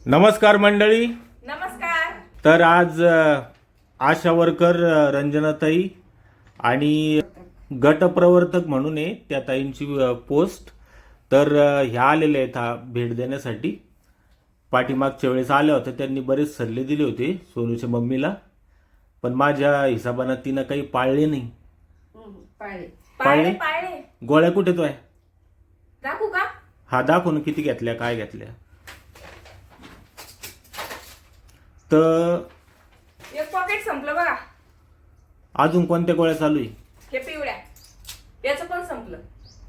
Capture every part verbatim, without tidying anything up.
नमस्कार मंडळी. नमस्कार. तर आज अ, आशा वर्कर अ, रंजनाताई आणि गटप्रवर्तक म्हणून आहे त्या ताईंची अ, पोस्ट. तर अ, ह्या आलेल्या आहेत हा भेट देण्यासाठी. पाठीमागच्या वेळेस आल्या होत्या, त्यांनी बरेच सल्ले दिले होते सोनूच्या मम्मीला, पण माझ्या हिशोबानं तिनं काही पाळले नाही. पाळे पाळले? पाळे गोळ्या कुठे तो आहे? दाखवू का? हा दाखव ना, किती घेतल्या, काय घेतल्या. तर एक पॉकेट संपलं बघा. अजून कोणत्या गोळ्या चालू आहे? हे पिवळ्या याचं पण संपलं.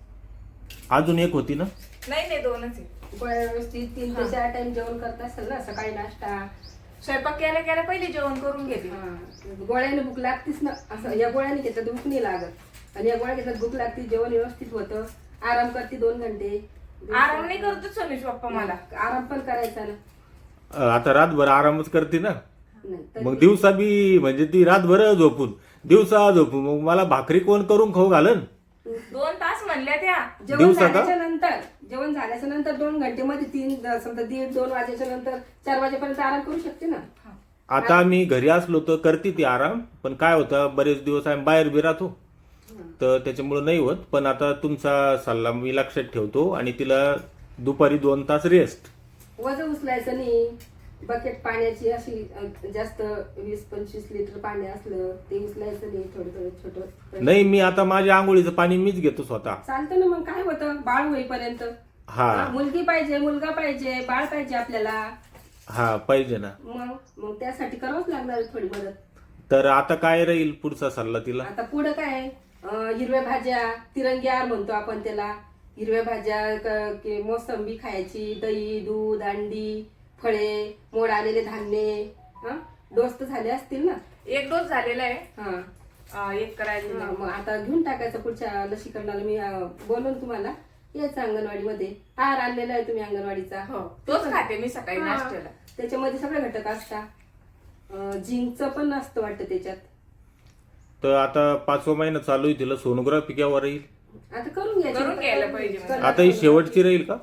अजून एक होती ना? नाही नाही दोनच आहे. गोळ्या व्यवस्थित तीन ते चार टाइम जेवण करत असेल ना, सकाळी नाश्ता. स्वयंपाक केल्या केल्या पहिले जेवण करून घेते. हा. गोळ्याने भूक लागतीच ना. असं या गोळ्याने घेतलं तर भूक नाही लागत, आणि या गोळ्या घेतल्यात भूक लागते, जेवण व्यवस्थित होतं, आराम करते दोन घंटे. आराम नाही करतो सोनीश पप्पा मला. आराम पण करायचा ना. अ, आता रातभर आरामच करते ना. नाही तर मग दिवसा बी म्हणजे ती रातभर झोपून दिवसा झोपून मग मला भाकरी कोण करून खाऊ घालन? दोन तास म्हणल्या त्या. जेवण दिवसा का? झाल्याच्या नंतर जेवण झाल्याच्या नंतर दोन घंटे मध्ये तीन समजा दीड दोन वाजेच्या नंतर चार वाजेपर्यंत आराम करू शकते ना. आता आम्ही घरी असलो तर करते ती आराम, पण काय होतं बरेच दिवस आम्ही बाहेर बी राहतो, तर त्याच्यामुळे नाही होत. पण आता तुमचा सल्ला मी लक्षात ठेवतो आणि तिला दुपारी दोन तास रेस्ट. वजन उचलायचं नाही. बकेट पाण्याची अशी अ, जास्त वीस पंचवीस लिटर पाणी असलं ते उचलायचं नाही. थोडं थोडं छोटं नाही, मी आता माझ्या आंघोळीचं पाणी मीच घेतो स्वतः. चालतं ना. मग काय होतं, बाळ होईपर्यंत. हा मुलगी पाहिजे, मुलगा पाहिजे, बाळ पाहिजे आपल्याला. हा पाहिजे ना. मग मग त्यासाठी करावंच लागणार थोडी मदत. तर आता काय राहील पुढचा सल्ला तिला? आता पुढं काय, अं, हिरव्या भाज्या, तिरंगी आहार म्हणतो आपण त्याला. हिरव्या भाज्या, क- की मोसंबी खायची, दही, दूध, अंडी, फळे, मोड आलेले धान्य. हा, डोस तर झाले असतील ना. एक डोस झालेला आहे. हा अं, एक करायचं हा, नाही. मग आता घेऊन टाकायचं पुढच्या लसीकरणाला. मी अं, बोलवून तुम्हाला यायचं अंगणवाडीमध्ये. आहार आणलेला आहे तुम्ही अंगणवाडीचा. हो तोच खाते मी सकाळी हा, नाश्त्याला. त्याच्यामध्ये सगळे घटक असतात. झिंकचं पण असतं वाटतं त्याच्यात. तर आता पाचवा महिना चालू आहे, तिला सोनोग्राफी केव्हा राहील? आता करून घ्यायची. करून घ्यायला पाहिजे म्हणजे. आता ही शेवटची राहील का?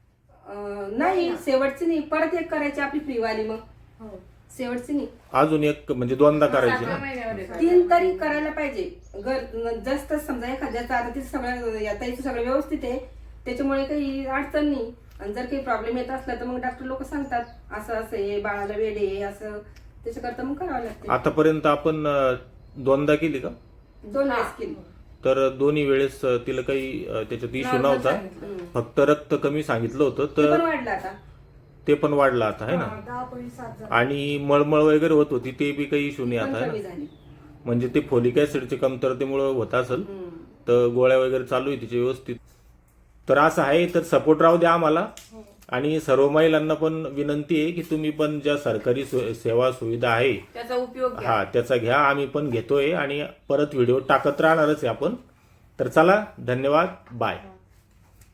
अं, नाही, शेवटची नाही. परत एक करायची आपली फ्रीवाली. मग हो. शेवटची नाही. अजून एक म्हणजे दोनदा करायची सातव्या ना? महिन्यामध्ये तीन तरी करायला पाहिजे. घर जास्त समजा एखाद्याचं आता तिचं सगळं याताचं सगळं व्यवस्थित आहे, त्याच्यामुळे काही अडचण नाही. आणि जर काही प्रॉब्लेम येत असला तर मग डॉक्टर लोक सांगतात असं असं आहे, बाळाला वेड आहे, असं त्याच्याकरता मग करावं लागते. आतापर्यंत आपण अ, दोनदा केली का? दोन वेळेस केली. तर दोन्ही वेळेस अ, तिला काही अ, त्याच्यात इश्यू Normal नव्हता, सांगितलं. फक्त रक्त कमी सांगितलं होतं. ते पण तर वाढलं आता. ते पण वाढलं आता आहे ना. आणि मळमळ वगैरे होत होती, ते बी काही इश्यू नाही पण आता आहे कमी ना. झाली. म्हणजे ते फोलिक ऍसिडच्या कमतरतेमुळे होत असेल. हम्म. तर गोळ्या वगैरे चालू आहे तिचे व्यवस्थित. तर असं आहे, तर सपोर्ट राहू द्या आम्हाला. आणि सर्व महिलांना पण विनंती आहे की तुम्ही पण ज्या सरकारी सु- सेवा सुविधा आहे त्याचा उपयोग घ्या. हा त्याचा घ्या. आम्ही पण घेतोय आणि परत व्हिडिओ टाकत राहणारच आहे आपण. तर चला, धन्यवाद, बाय.